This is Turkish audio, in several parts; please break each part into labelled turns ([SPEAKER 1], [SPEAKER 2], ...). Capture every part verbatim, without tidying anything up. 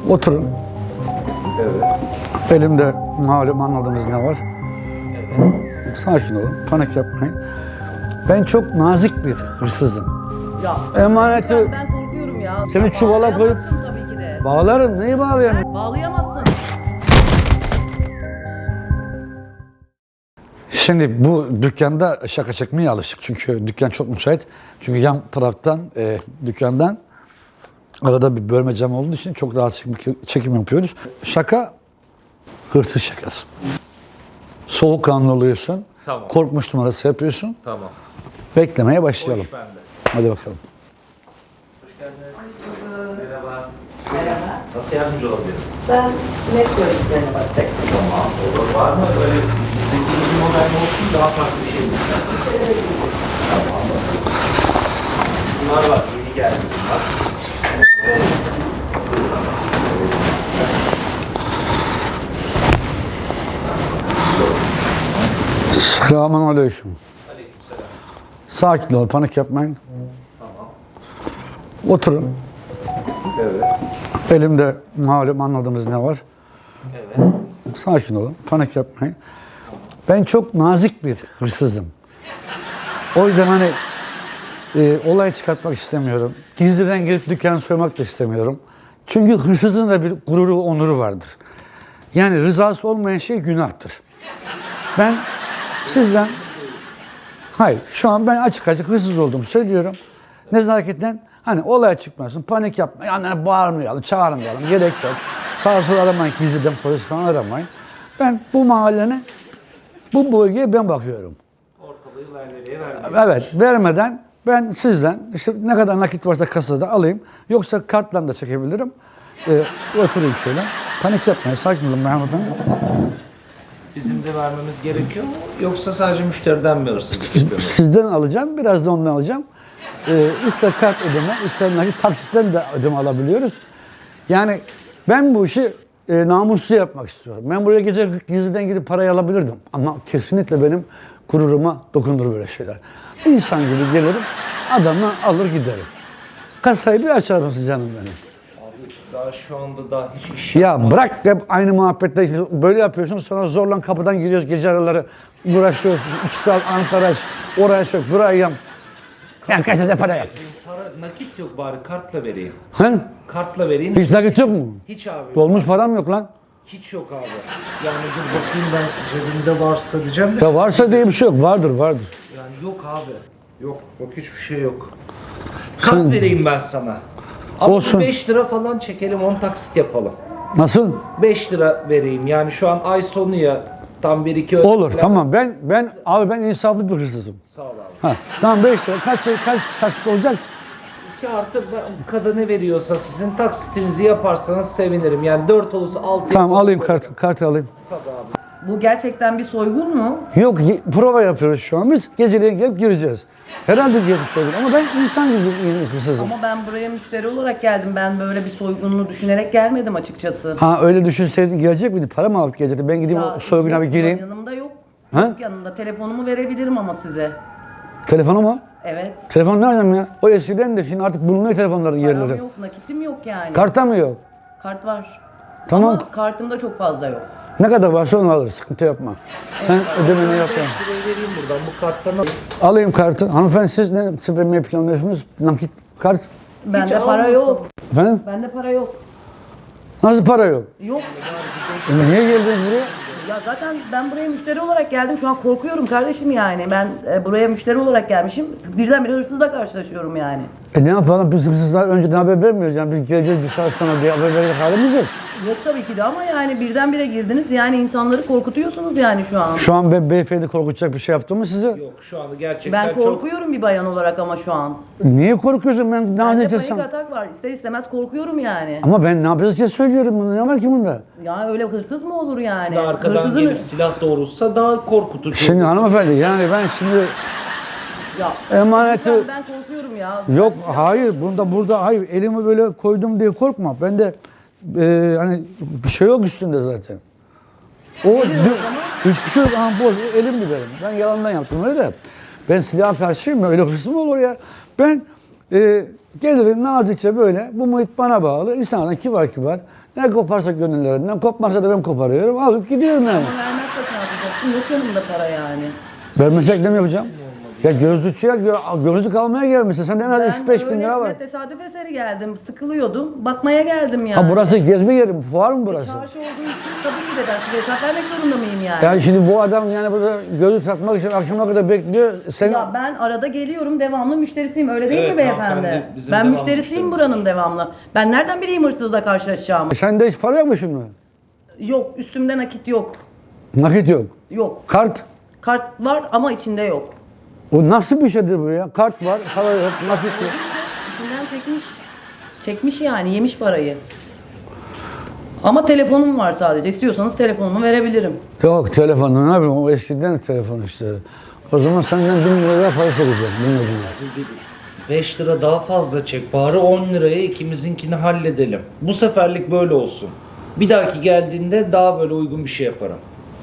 [SPEAKER 1] Oturun.
[SPEAKER 2] Evet.
[SPEAKER 1] Elimde malum anladığınız ne var.
[SPEAKER 2] Evet.
[SPEAKER 1] Sakin olun, panik yapmayın. Ben çok nazik bir hırsızım.
[SPEAKER 3] Ya
[SPEAKER 1] Emaneti
[SPEAKER 3] ben, ben korkuyorum ya.
[SPEAKER 1] Seni
[SPEAKER 3] Ya
[SPEAKER 1] çuvala koyup-
[SPEAKER 3] bağlayamazsın tabii ki de.
[SPEAKER 1] bağlarım. Neyi bağlayayım?
[SPEAKER 3] Bağlayamazsın.
[SPEAKER 1] Şimdi bu dükkanda şaka çekmeye alışık. Çünkü dükkan çok müsait. Çünkü yan taraftan, e, dükkandan arada bir bölme cam olduğu için çok rahat çekim, çekim yapıyoruz. Şaka, hırsız şakası. Soğukkanlı oluyorsun.
[SPEAKER 2] Tamam.
[SPEAKER 1] Korkmuş numarası yapıyorsun.
[SPEAKER 2] Tamam.
[SPEAKER 1] Beklemeye
[SPEAKER 2] O
[SPEAKER 1] başlayalım.
[SPEAKER 2] iş bende.
[SPEAKER 1] Hadi bakalım.
[SPEAKER 2] Hoş geldiniz. Merhaba. Merhaba. Nasıl yardımcı olabilirim?
[SPEAKER 3] Ben net görüntülerine bakacaktım.
[SPEAKER 2] Tamam. Olur. Var mı böyle yüzündeki bir model olsun daha farklı bir şey mi istersiniz? Tamam. Bunlar var. Yeni geldi bunlar.
[SPEAKER 1] Selamun aleyküm.
[SPEAKER 2] Aleykümselam.
[SPEAKER 1] Sakin ol, panik yapmayın.
[SPEAKER 2] Tamam.
[SPEAKER 1] Oturun.
[SPEAKER 2] Evet.
[SPEAKER 1] Elimde malum anladığınız ne var.
[SPEAKER 2] Evet.
[SPEAKER 1] Sakin olun, panik yapmayın. Ben çok nazik bir hırsızım. O yüzden hani e, olay çıkartmak istemiyorum. Gizliden girip dükkanı soymak da istemiyorum. Çünkü hırsızın da bir gururu, onuru vardır. Yani rızası olmayan şey günahtır. Ben sizden, hayır şu an ben açık açık hırsız olduğumu söylüyorum. Nezaketten hani olay çıkmasın, panik yapma, yani bağırmayalım, çağırmayalım, gerek yok. Sağa sola aramayın, gizliden polis falan aramayın. Ben bu mahallenin, bu bölgeye ben bakıyorum.
[SPEAKER 2] Ortalığı nereye vermiyor?
[SPEAKER 1] Evet, vermeden ben sizden işte ne kadar nakit varsa kasada alayım. Yoksa kartla da çekebilirim. Ee, oturayım şöyle. Panik yapmayın, sakin olun hanımefendi.
[SPEAKER 2] Bizim de vermemiz gerekiyor mu? Yoksa sadece müşteriden mi hırsızlık yapıyoruz?
[SPEAKER 1] Sizden alacağım, biraz da ondan alacağım. Ee, ister kart ödeme, ister nakit taksitten de ödeme alabiliyoruz. Yani ben bu işi e, namussuz yapmak istiyorum. Ben buraya gece gizliden gidip parayı alabilirdim. Ama kesinlikle benim gururuma dokunur böyle şeyler. İnsan gibi gelirim, adamla alır giderim. Kasayı bir açar mısın canım benim?
[SPEAKER 2] Abi daha şu anda daha hiç iş
[SPEAKER 1] Ya bırak hep aynı muhabbette böyle yapıyorsun, sonra zorla kapıdan giriyoruz gece araları, uğraşıyoruz, iki saat Ankara, oraya sök, buraya yam. Yani kaç tane para yap.
[SPEAKER 2] Para, nakit yok bari kartla vereyim.
[SPEAKER 1] He?
[SPEAKER 2] Kartla vereyim.
[SPEAKER 1] Hiç nakit yok mu?
[SPEAKER 2] Hiç abi.
[SPEAKER 1] Dolmuş param yok lan.
[SPEAKER 2] Hiç yok abi. Yani dur bakayım ben cebimde varsa diyeceğim de.
[SPEAKER 1] Ya varsa diye bir şey yok, vardır vardır.
[SPEAKER 2] Yani yok abi. Yok bak hiçbir şey yok. Kart
[SPEAKER 1] Sen-
[SPEAKER 2] vereyim ben sana. Ama
[SPEAKER 1] Olsun.
[SPEAKER 2] beş lira falan çekelim on taksit yapalım.
[SPEAKER 1] Nasıl?
[SPEAKER 2] beş lira vereyim yani şu an ay sonu ya tam bir iki
[SPEAKER 1] Olur, tamam. Ben ben abi ben insaflı bir hırsızım.
[SPEAKER 2] Sağ ol abi.
[SPEAKER 1] Ha, tamam beş lira. Kaç kaç taksit olacak?
[SPEAKER 2] iki artı kadın ne veriyorsa sizin taksitinizi yaparsanız sevinirim. Yani dört olursa altı.
[SPEAKER 1] Tamam alayım kartı, kartı alayım.
[SPEAKER 3] Bu gerçekten bir soygun mu?
[SPEAKER 1] Yok, ye- prova yapıyoruz şu an biz. Geceleyin gelip gireceğiz. Herhalde bir yeri söyledim ama ben insan gibi bir hırsızım.
[SPEAKER 3] Ama ben buraya müşteri olarak geldim. Ben böyle bir soygununu düşünerek gelmedim açıkçası.
[SPEAKER 1] Ha öyle düşünseydin gelecek miydi? Para mı alıp gelecekti? Ben gideyim
[SPEAKER 3] Ya,
[SPEAKER 1] o soyguna bir
[SPEAKER 3] yok,
[SPEAKER 1] gireyim.
[SPEAKER 3] Yanımda yok.
[SPEAKER 1] Ha?
[SPEAKER 3] Yok yanımda. Telefonumu verebilirim ama size.
[SPEAKER 1] Telefonu mu?
[SPEAKER 3] Evet.
[SPEAKER 1] Telefon nereden ya? O eskiden de şimdi artık bulunuyor telefonların
[SPEAKER 3] Param
[SPEAKER 1] yerleri.
[SPEAKER 3] yok, nakitim yok yani.
[SPEAKER 1] Karta mı yok?
[SPEAKER 3] Kart var.
[SPEAKER 1] Tamam.
[SPEAKER 3] Ama kartımda çok fazla yok.
[SPEAKER 1] Ne kadar varsa onu alırız. Sıkıntı yapma. Sen ödemeni yap yani.
[SPEAKER 2] beş lirayı vereyim buradan bu karttan al.
[SPEAKER 1] Alayım kartı. Hanımefendi siz ne sıfırlamayı planlıyorsunuz? Nakit kart.
[SPEAKER 3] Bende
[SPEAKER 2] Hiç
[SPEAKER 3] para
[SPEAKER 2] almasın.
[SPEAKER 3] yok.
[SPEAKER 1] Efendim?
[SPEAKER 3] Bende para yok.
[SPEAKER 1] Nasıl para yok?
[SPEAKER 3] Yok.
[SPEAKER 1] E niye geldiniz buraya?
[SPEAKER 3] Ya zaten ben buraya müşteri olarak geldim. Şu an korkuyorum kardeşim yani. Ben e, buraya müşteri olarak gelmişim. Birdenbire hırsızla karşılaşıyorum yani.
[SPEAKER 1] E ne yapalım? Biz hırsızlar önceden haber vermiyoruz. Yani biz geleceğiz bir saat sonra diye haber verecek halimiz yok.
[SPEAKER 3] Yok tabii ki de ama yani birdenbire girdiniz. Yani insanları korkutuyorsunuz yani şu an.
[SPEAKER 1] Şu an ben beyefendi korkutacak bir şey yaptım mı size?
[SPEAKER 2] Yok şu anda gerçekten
[SPEAKER 3] Ben
[SPEAKER 2] çok...
[SPEAKER 3] korkuyorum bir bayan olarak ama şu an.
[SPEAKER 1] Niye korkuyorsun? Ben
[SPEAKER 3] Bende
[SPEAKER 1] nazikçe
[SPEAKER 3] panik
[SPEAKER 1] sen.
[SPEAKER 3] atak var. İster istemez korkuyorum yani.
[SPEAKER 1] Ama ben ne yapacağız diye söylüyorum. Bunu. Ne var ki bunda?
[SPEAKER 3] Ya öyle hırsız mı olur yani?
[SPEAKER 2] Daha arkadan
[SPEAKER 3] Hırsızın...
[SPEAKER 2] gelip silah doğrultsa daha korkutucu.
[SPEAKER 1] Şimdi hanımefendi yani ben şimdi
[SPEAKER 3] Ya,
[SPEAKER 1] emaneti...
[SPEAKER 3] lütfen ben korkuyorum ya.
[SPEAKER 1] Yok hayır bunda burada hayır elimi böyle koydum diye korkma. Ben de e, hani bir şey yok üstünde zaten. O dü- hiçbir şey yok. Aha, bu elimdi benim. Ben yalandan yaptım öyle de. Ben silaha karşıyım. Öyle hırsız mı olur ya? Ben Ee, gelirim nazikçe böyle. Bu muhit bana bağlı. İnsanlar kibar kibar. Ne koparsa gönüllerinden, kopmazsa da ben koparıyorum. Alıp gidiyorum yani.
[SPEAKER 3] Ama vermezsek ne yapacaksın? Yok yanımda para yani.
[SPEAKER 1] Vermesek ne mi yapacağım? Ya gözlükçüye gö- gözlük almaya gelmişsin. Sen en az üç beş bin lira var.
[SPEAKER 3] öylesine tesadüf eseri geldim. Sıkılıyordum. Bakmaya geldim yani.
[SPEAKER 1] Ha burası gezme yeri mi? Fuar mı burası?
[SPEAKER 3] Çarşı olduğu için tabii ki de ben size hesap vermek zorunda mıyım yani?
[SPEAKER 1] Yani şimdi bu adam yani burada gözlük takmak için akşama kadar bekliyor. Sen
[SPEAKER 3] Ya ben arada geliyorum, devamlı müşterisiyim. Öyle değil
[SPEAKER 2] Evet,
[SPEAKER 3] mi beyefendi?
[SPEAKER 2] hanımefendi, bizim
[SPEAKER 3] Ben
[SPEAKER 2] devamlı
[SPEAKER 3] müşterisiyim
[SPEAKER 2] müşterimiz.
[SPEAKER 3] buranın devamlı. Ben nereden bileyim hırsızla karşılaşacağımı?
[SPEAKER 1] sende hiç para yok mu şimdi?
[SPEAKER 3] Yok, üstümde nakit yok.
[SPEAKER 1] Nakit yok.
[SPEAKER 3] Yok.
[SPEAKER 1] Kart.
[SPEAKER 3] Kart var ama içinde yok.
[SPEAKER 1] O nasıl bir şeydir bu ya? Kart var, para yok, nakit yok.
[SPEAKER 3] İçinden çekmiş. Çekmiş yani, yemiş parayı. Ama telefonum var sadece. İstiyorsanız telefonumu verebilirim.
[SPEAKER 1] Yok telefonla ne yapayım? O eskiden telefon işleri. O zaman senden bin lira para çekeceğim. Bin lira.
[SPEAKER 2] beş lira daha fazla çek. Bari on liraya ikimizinkini halledelim. Bu seferlik böyle olsun. Bir dahaki geldiğinde daha böyle uygun bir şey yaparım.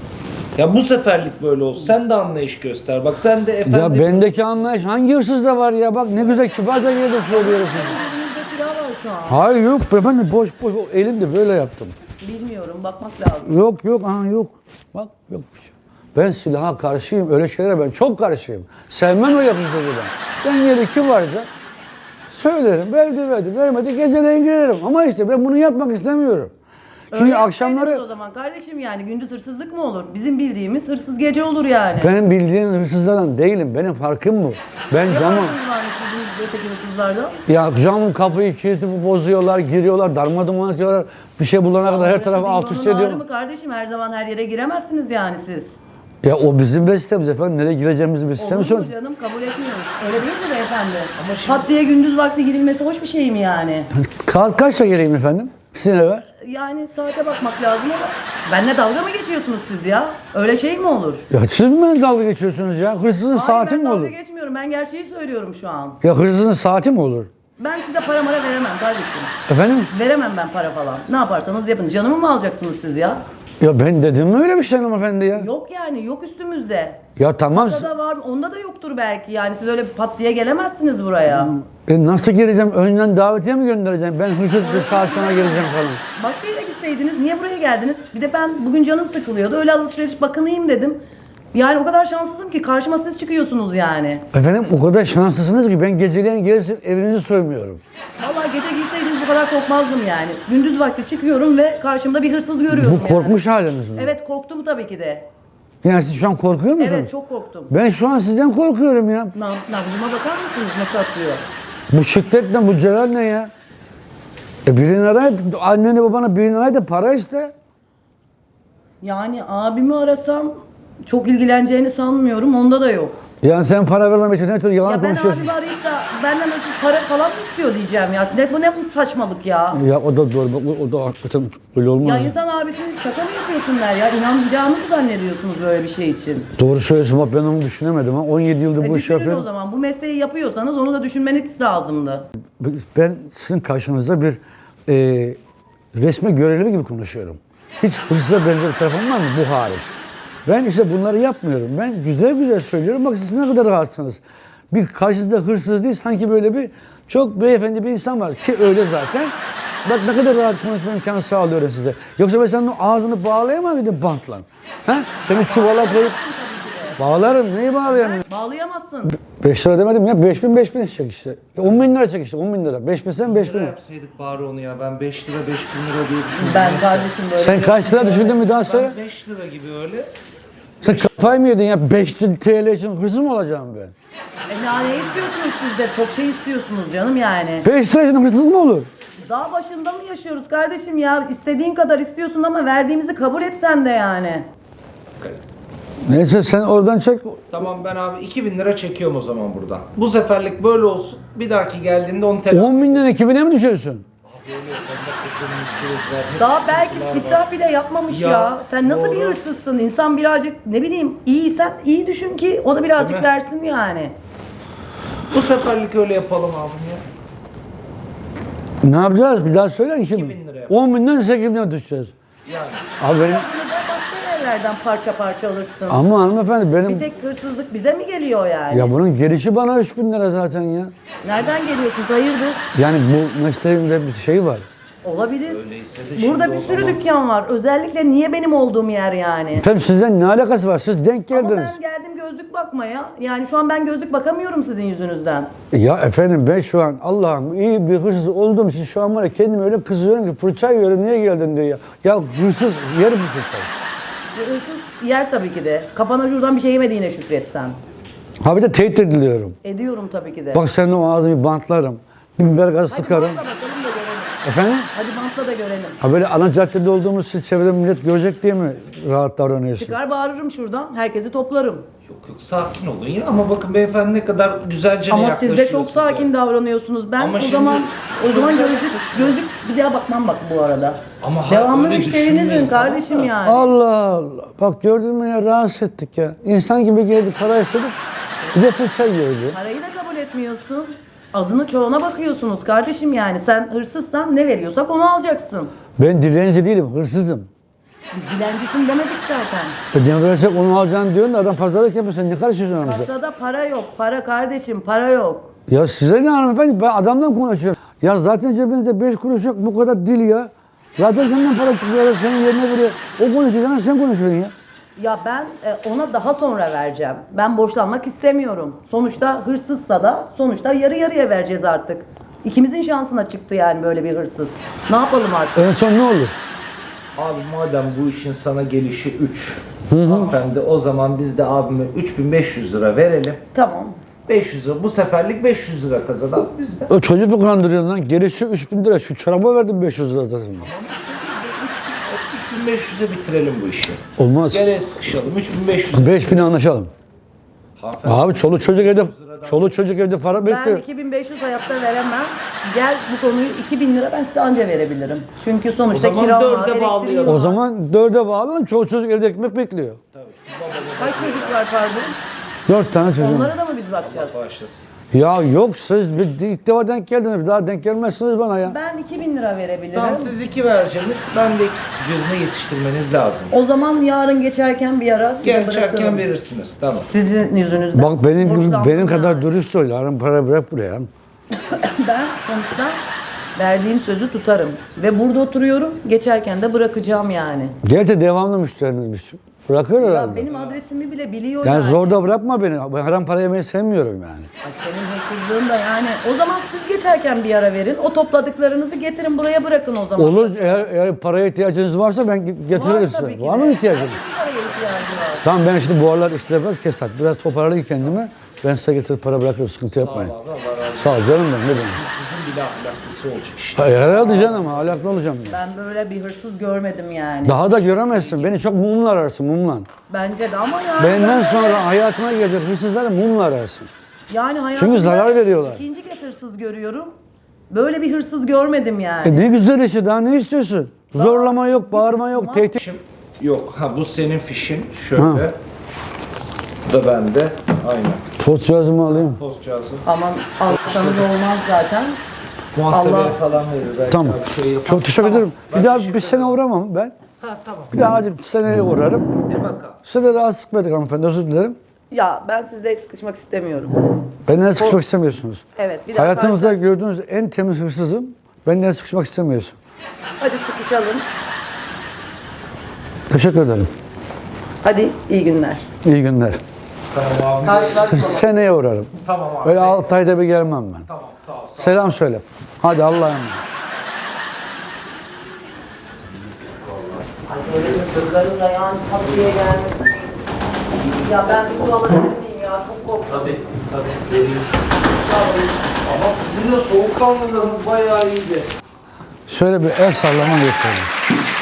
[SPEAKER 2] Ya bu seferlik böyle olsun. Sen de anlayış göster. Bak sen de efendi...
[SPEAKER 1] Ya bendeki anlayış hangi hırsızda var ya? Bak ne güzel kibarca yerde söylüyorum size.
[SPEAKER 3] Elimizde silah var şu an.
[SPEAKER 1] Hayır yok ben de boş boş o elimde böyle yaptım.
[SPEAKER 3] Bilmiyorum, bakmak lazım.
[SPEAKER 1] Yok yok aha yok. Bak yok bir şey. Ben silaha karşıyım. Öyle şeylere ben çok karşıyım. Sevmem öyle hırsızı ben. Ben yeri kibarca söylerim. Verdi verdi. Vermedi geceleyin girerim. Ama işte ben bunu yapmak istemiyorum. Çünkü
[SPEAKER 3] Öyle
[SPEAKER 1] akşamları
[SPEAKER 3] yapsaydınız o zaman kardeşim yani gündüz hırsızlık mı olur? Bizim bildiğimiz hırsız gece olur yani.
[SPEAKER 1] ben bildiğin hırsızlardan değilim. Benim farkım bu. Ben
[SPEAKER 3] Ne
[SPEAKER 1] camı
[SPEAKER 3] farkınız var sizin öteki hırsızlardan?
[SPEAKER 1] ya camın kapıyı kilitli bozuyorlar, giriyorlar, darmadağın ediyorlar. Bir şey bulana kadar her tarafı alt üst
[SPEAKER 3] Bingonun ağrı
[SPEAKER 1] ediyor.
[SPEAKER 3] mı kardeşim? Her zaman her yere giremezsiniz yani siz.
[SPEAKER 1] Ya o bizim bestemiz efendim. Nereye gireceğimizi biz sistemi
[SPEAKER 3] Olur mu
[SPEAKER 1] söyle.
[SPEAKER 3] canım? Kabul etmiyoruz. Öyle değil mi beyefendi? Ama şimdi... Pat diye gündüz vakti girilmesi hoş bir şey mi yani?
[SPEAKER 1] Ka kaçta geleyim efendim? Sizin eve?
[SPEAKER 3] Yani saate bakmak lazım ama benimle dalga mı geçiyorsunuz siz ya? Öyle şey mi olur?
[SPEAKER 1] Ya siz mi benimle dalga geçiyorsunuz ya? Hırsızın
[SPEAKER 3] Hayır,
[SPEAKER 1] saati
[SPEAKER 3] ben
[SPEAKER 1] mi
[SPEAKER 3] dalga
[SPEAKER 1] olur?
[SPEAKER 3] geçmiyorum. Ben gerçeği söylüyorum şu an.
[SPEAKER 1] Ya hırsızın saati mi olur?
[SPEAKER 3] Ben size para mara veremem kardeşim.
[SPEAKER 1] Efendim?
[SPEAKER 3] Veremem ben para falan. Ne yaparsanız yapın. Canımı mı alacaksınız siz ya?
[SPEAKER 1] Ya ben dedim mi öyle bir şey hanımefendi ya?
[SPEAKER 3] Yok yani, yok üstümüzde.
[SPEAKER 1] Ya tamam.
[SPEAKER 3] Onda da var, onda da yoktur belki. Yani siz öyle pat diye gelemezsiniz buraya.
[SPEAKER 1] E nasıl gireceğim? Önden davetiye mi göndereceğim? Ben hırsız bir saat sonra geleceğim falan.
[SPEAKER 3] Başka yere gitseydiniz, niye buraya geldiniz? Bir de ben bugün canım sıkılıyordu. Öyle alışveriş bakınayım dedim. Yani o kadar şanssızım ki karşıma siz çıkıyorsunuz yani.
[SPEAKER 1] Efendim o kadar şanslısınız ki ben geceleyin gelirsin evinizi soymuyorum.
[SPEAKER 3] Vallahi gece girseydiniz bu kadar korkmazdım yani. Gündüz vakti çıkıyorum ve karşımda bir hırsız görüyorum
[SPEAKER 1] Bu korkmuş haliniz mi?
[SPEAKER 3] yani. Evet, korktum tabii ki de.
[SPEAKER 1] Yani siz şu an korkuyor musunuz?
[SPEAKER 3] Evet, çok korktum.
[SPEAKER 1] Ben şu an sizden korkuyorum ya.
[SPEAKER 3] Nam nabzıma bakar mısınız nasıl atıyor?
[SPEAKER 1] Bu şiddet ne, bu celal ne ya? E birini arayıp, anneni babana birini arayıp da para iste.
[SPEAKER 3] Yani abimi arasam çok ilgileneceğini sanmıyorum. Onda da yok.
[SPEAKER 1] Yani sen para vermemek için ne tür yalan
[SPEAKER 3] Ya ben
[SPEAKER 1] konuşuyorsun?
[SPEAKER 3] abimi arayıp da benden nasıl para falan mı istiyor diyeceğim ya. Ne bu ne bu saçmalık ya.
[SPEAKER 1] Ya o da doğru, bak o, o da hakikaten öyle olmaz.
[SPEAKER 3] Ya insan abisini şaka mı yapıyorsunlar ya? İnanmayacağını mı zannediyorsunuz böyle bir şey için?
[SPEAKER 1] Doğru söylüyorsun bak ben onu düşünemedim ha. on yedi yıldır
[SPEAKER 3] E
[SPEAKER 1] bu işi
[SPEAKER 3] düşünün o
[SPEAKER 1] yapıyorum.
[SPEAKER 3] zaman. Bu mesleği yapıyorsanız onu da düşünmeniz lazımdı.
[SPEAKER 1] Ben sizin karşınızda bir e, resme görevli gibi konuşuyorum. Hiç hırsıza benzer bir tarafım var mı? Bu hariç. Ben işte bunları yapmıyorum. Ben güzel güzel söylüyorum. Bak siz ne kadar rahatsınız. Bir karşınızda hırsız değil sanki böyle bir çok beyefendi bir insan var ki öyle zaten. Bak ne kadar rahat konuşma imkanı sağlıyorum size. Yoksa ben senin o ağzını bağlayamam mıydım bantla? Ha? Seni çuvala koyup bağlarım. Neyi bağlayamıyorum?
[SPEAKER 3] Bağlayamazsın.
[SPEAKER 1] beş lira demedim ya. beş bin beş bin çek işte. on bin lira çek işte. on bin lira. beş bin sen beş bin.
[SPEAKER 2] Ne yapsaydık bari onu ya? Ben beş lira beş bin lira diye düşündüm.
[SPEAKER 3] Ben
[SPEAKER 2] Neyse.
[SPEAKER 3] kardeşim böyle...
[SPEAKER 1] Sen kaç lira düşündün bir daha söyle.
[SPEAKER 2] Ben beş lira gibi öyle.
[SPEAKER 1] Sen kafayı mı yedin ya? beş T L için hırsız mı olacağım ben?
[SPEAKER 3] E ya ne istiyorsunuz siz de? Çok şey istiyorsunuz canım yani.
[SPEAKER 1] beş lira için hırsız mı olur?
[SPEAKER 3] Dağ başında mı yaşıyoruz kardeşim ya? İstediğin kadar istiyorsun ama verdiğimizi kabul etsen de yani.
[SPEAKER 1] Neyse sen oradan çek.
[SPEAKER 2] Tamam ben abi iki bin lira çekiyorum o zaman buradan. Bu seferlik böyle olsun. Bir dahaki geldiğinde onu telafi
[SPEAKER 1] on binden iki bine mi düşüyorsun?
[SPEAKER 3] Daha belki siftah bile yapmamış ya.
[SPEAKER 2] Ya,
[SPEAKER 3] Sen nasıl bir
[SPEAKER 2] doğru.
[SPEAKER 3] hırsızsın? İnsan birazcık ne bileyim iyiysen iyi düşün ki o da birazcık
[SPEAKER 2] Değil mi?
[SPEAKER 3] versin yani.
[SPEAKER 2] Bu seferlik öyle yapalım abim ya.
[SPEAKER 1] Ne yapacağız? Bir daha söyle iki bin.
[SPEAKER 2] bin lira yap.
[SPEAKER 1] on binden sekiz bine düşeceğiz.
[SPEAKER 2] Yani.
[SPEAKER 1] Abi benim,
[SPEAKER 3] Bunu da başka yerlerden parça parça alırsın.
[SPEAKER 1] Ama hanımefendi
[SPEAKER 3] Bir
[SPEAKER 1] benim...
[SPEAKER 3] tek hırsızlık bize mi geliyor yani?
[SPEAKER 1] Ya bunun gelişi bana üç bin lira zaten ya.
[SPEAKER 3] Nereden geliyorsunuz? Hayırdır?
[SPEAKER 1] Yani bu mesleğimde bir şey var.
[SPEAKER 3] Olabilir.
[SPEAKER 2] Öyleyse de şimdi
[SPEAKER 3] Burada
[SPEAKER 2] o
[SPEAKER 3] bir sürü
[SPEAKER 2] zaman-
[SPEAKER 3] dükkan var. Özellikle niye benim olduğum yer yani?
[SPEAKER 1] Tabii sizden ne alakası var? Siz denk
[SPEAKER 3] Ama
[SPEAKER 1] geldiniz.
[SPEAKER 3] ben geldim gözlük bakmaya. Yani şu an ben gözlük bakamıyorum sizin yüzünüzden.
[SPEAKER 1] Ya efendim ben şu an Allah'ım iyi bir hırsız olduğum için şu an var ya kendimi öyle kızıyorum ki fırça yiyorum niye geldin diyor ya. Ya hırsız yer misin sen?
[SPEAKER 3] Bu hırsız yer tabii ki de. Kafana şuradan bir şey yemediğine şükretsen.
[SPEAKER 1] Ha bir de tehdit ediliyorum.
[SPEAKER 3] Ediyorum tabii ki de.
[SPEAKER 1] Bak senin o ağzını bir bantlarım. Bir biber gazı
[SPEAKER 3] Hadi
[SPEAKER 1] sıkarım.
[SPEAKER 3] bantla bakalım da görelim.
[SPEAKER 1] Efendim?
[SPEAKER 3] Hadi bantla da görelim.
[SPEAKER 1] Ha böyle ana caddede olduğumuz için çevrede millet görecek diye mi rahat davranıyorsun?
[SPEAKER 3] Çıkar bağırırım şuradan. Herkesi toplarım.
[SPEAKER 2] Yok yok sakin olun ya ama bakın beyefendi ne kadar güzelce
[SPEAKER 3] Ama
[SPEAKER 2] yaklaşıyor
[SPEAKER 3] siz de çok
[SPEAKER 2] size.
[SPEAKER 3] sakin davranıyorsunuz. Ben
[SPEAKER 2] Ama
[SPEAKER 3] o
[SPEAKER 2] şimdi
[SPEAKER 3] zaman o
[SPEAKER 2] çok
[SPEAKER 3] zaman
[SPEAKER 2] güzel
[SPEAKER 3] gözlük
[SPEAKER 2] yaklaşıyor.
[SPEAKER 3] gözlük bir daha bakmam bak bu arada.
[SPEAKER 2] Ama ha-
[SPEAKER 3] Devamlı
[SPEAKER 2] öyle
[SPEAKER 3] müşterinizin
[SPEAKER 2] düşünmeyin,
[SPEAKER 3] kardeşim
[SPEAKER 2] tamam da.
[SPEAKER 3] yani.
[SPEAKER 1] Allah Allah. Bak gördün mü ya rahatsız ettik ya. İnsan gibi geldi para istedik. Bir de fırça yiyordu.
[SPEAKER 3] Parayı da kabul etmiyorsun. Azını çoğuna bakıyorsunuz kardeşim yani. Sen hırsızsan ne veriyorsak onu alacaksın.
[SPEAKER 1] Ben dilenci değilim, hırsızım.
[SPEAKER 3] Biz dilencisin demedik zaten.
[SPEAKER 1] E ne verecek onu alacaksın diyorsun da adam pazarlık yapıyor. Sen ne karışıyorsun aramızda?
[SPEAKER 3] Kasada para yok. Para kardeşim para yok.
[SPEAKER 1] Ya size ne hanımefendi? Ben adamdan konuşuyorum. Ya zaten cebinizde beş kuruş yok bu kadar dil ya. Zaten senden para çıkıyor, senin yerine veriyor. O konuşuyor, sen konuşuyorsun ya.
[SPEAKER 3] Ya ben e, ona daha sonra vereceğim. Ben borçlanmak istemiyorum. Sonuçta hırsızsa da sonuçta yarı yarıya vereceğiz artık. İkimizin şansına çıktı yani böyle bir hırsız. Ne yapalım artık?
[SPEAKER 1] En son ne olur?
[SPEAKER 2] Abi madem bu işin sana gelişi üç. Hanımefendi o zaman biz de abime üç bin beş yüz lira verelim.
[SPEAKER 3] Tamam.
[SPEAKER 2] beş yüz lira bu seferlik beş yüz lira kazanalım biz de.
[SPEAKER 1] O çocuk mu kandırıyorsun lan? Gerisi üç bin lira. Şu çoraba verdim beş yüz lira zaten.
[SPEAKER 2] üç bin beş yüze bitirelim bu işi.
[SPEAKER 1] Olmaz.
[SPEAKER 2] Geriye sıkışalım. üç bin beş yüz.
[SPEAKER 1] beş bine anlaşalım.
[SPEAKER 2] Hanımefendi,
[SPEAKER 1] Abi çoluk çocuk evde, çoluk çocuk evde para
[SPEAKER 3] Ben
[SPEAKER 1] bekliyor.
[SPEAKER 3] iki bin beş yüz hayatta veremem. Gel bu konuyu iki bin lira ben size anca verebilirim. Çünkü sonuçta
[SPEAKER 2] O zaman
[SPEAKER 3] kira var,
[SPEAKER 2] dörde
[SPEAKER 3] elektriği
[SPEAKER 2] bağlayalım.
[SPEAKER 3] var.
[SPEAKER 1] O zaman dörde bağlanın, çoluk çocuk evde ekmek bekliyor.
[SPEAKER 3] Kaç çocuk var pardon?
[SPEAKER 1] Dört tane çocuk.
[SPEAKER 3] Onlara da mı biz bakacağız?
[SPEAKER 2] Bağışlasın.
[SPEAKER 1] Ya yok siz bir, ilk defa denk geldiniz. Bir daha denk gelmezsiniz bana ya.
[SPEAKER 3] Ben iki bin lira verebilirim.
[SPEAKER 2] Tamam siz iki vereceğiniz. Ben de birini yetiştirmeniz lazım.
[SPEAKER 3] O zaman yarın geçerken bir ara size
[SPEAKER 2] Geçerken
[SPEAKER 3] bırakırım.
[SPEAKER 2] verirsiniz. Tamam.
[SPEAKER 3] Sizin yüzünüzden.
[SPEAKER 1] Bak benim gibi
[SPEAKER 3] Borçlandım
[SPEAKER 1] benim kadar
[SPEAKER 3] yani.
[SPEAKER 1] dürüst söyle. Yarın para bırak buraya.
[SPEAKER 3] Ben sonuçta verdiğim sözü tutarım. Ve burada oturuyorum. Geçerken de bırakacağım yani.
[SPEAKER 1] Gerçi devamlı müşterimizmiş. Bırakıyor
[SPEAKER 3] Ya
[SPEAKER 1] herhalde.
[SPEAKER 3] benim adresimi bile biliyor
[SPEAKER 1] Yani
[SPEAKER 3] yani.
[SPEAKER 1] zorda bırakma beni. Ben haram para yemeyi sevmiyorum yani.
[SPEAKER 3] Ay senin hırsızlığın da yani. O zaman siz geçerken bir ara verin. O topladıklarınızı getirin buraya bırakın o zaman.
[SPEAKER 1] Olur eğer, eğer paraya ihtiyacınız varsa ben getiririm
[SPEAKER 3] Var
[SPEAKER 1] size.
[SPEAKER 3] tabii ki
[SPEAKER 1] Var
[SPEAKER 3] de.
[SPEAKER 1] mı ihtiyacınız?
[SPEAKER 3] Herkesin paraya ihtiyacı var.
[SPEAKER 1] Tamam ben şimdi bu aralar işte biraz kesat. Biraz toparlayayım kendimi. Ben size getirip para bırakırım. Sıkıntı yapmayın.
[SPEAKER 2] Allah Allah razı olsun.
[SPEAKER 1] Sağ ol canım ben. Ne demek?
[SPEAKER 2] Sizin bile ahlaklısı olacak işte.
[SPEAKER 1] Hayır, herhalde canım. Ahlaklı olacağım. Ya.
[SPEAKER 3] Ben böyle bir hırsız görmedim yani.
[SPEAKER 1] Daha da göremezsin. Beni çok mumla ararsın mumla.
[SPEAKER 3] Bence de ama yani.
[SPEAKER 1] Benden
[SPEAKER 3] ben
[SPEAKER 1] sonra
[SPEAKER 3] öyle-
[SPEAKER 1] hayatıma gelecek hırsızları mumla ararsın.
[SPEAKER 3] Yani hayatımda
[SPEAKER 1] Çünkü zarar veriyorlar.
[SPEAKER 3] İkinci kez hırsız görüyorum. Böyle bir hırsız görmedim yani.
[SPEAKER 1] E ne güzel işte. Daha ne istiyorsun? Zorlama yok, bağırma yok, tehdit.
[SPEAKER 2] Fişim yok. Ha bu senin fişin. Şöyle.
[SPEAKER 1] Ha.
[SPEAKER 2] Bu da bende. Aynen.
[SPEAKER 1] Post cihazımı alayım.
[SPEAKER 2] Post cihazı.
[SPEAKER 3] Aman alsanız olmaz zaten.
[SPEAKER 2] Muhasebeye
[SPEAKER 3] Allah-
[SPEAKER 2] falan verir. Belki
[SPEAKER 1] Tamam.
[SPEAKER 2] bir şey yapar.
[SPEAKER 1] Çok teşekkür
[SPEAKER 2] Tamam.
[SPEAKER 1] ederim.
[SPEAKER 2] Ben
[SPEAKER 1] Bir daha
[SPEAKER 2] teşekkür
[SPEAKER 1] bir sene
[SPEAKER 2] ederim.
[SPEAKER 1] uğramam ben.
[SPEAKER 2] Ha tamam.
[SPEAKER 1] Bir daha hadi seneye uğrarım.
[SPEAKER 2] Bir bakalım.
[SPEAKER 1] Size de rahatsız etmedik hanımefendi. Özür dilerim.
[SPEAKER 3] Ya ben sizle sıkışmak istemiyorum.
[SPEAKER 1] Benden sıkışmak istemiyorsunuz.
[SPEAKER 3] Evet bir daha
[SPEAKER 1] Hayatınızda
[SPEAKER 3] karşılaş-
[SPEAKER 1] gördüğünüz en temiz hırsızım. Benden sıkışmak istemiyorsun.
[SPEAKER 3] Hadi sıkışalım.
[SPEAKER 1] Teşekkür ederim.
[SPEAKER 3] Hadi iyi günler.
[SPEAKER 1] İyi günler.
[SPEAKER 2] Tamam abi.
[SPEAKER 3] Karşılaşmamak.
[SPEAKER 1] Seneye uğrarım.
[SPEAKER 2] Tamam abi.
[SPEAKER 1] Öyle altı ayda bir gelmem ben.
[SPEAKER 2] Tamam sağ ol. Sağ ol.
[SPEAKER 1] Selam söyle. Hadi Allah'a emanet.
[SPEAKER 3] Ay böyle hırsızların da yani kapıya gelmesi. Ya ben bir buralara gideyim ya çok korktum.
[SPEAKER 2] Tabii tabii veririz. Ama sizin de soğukkanlılığınız bayağı iyiydi.
[SPEAKER 1] Şöyle bir el sallama yapalım.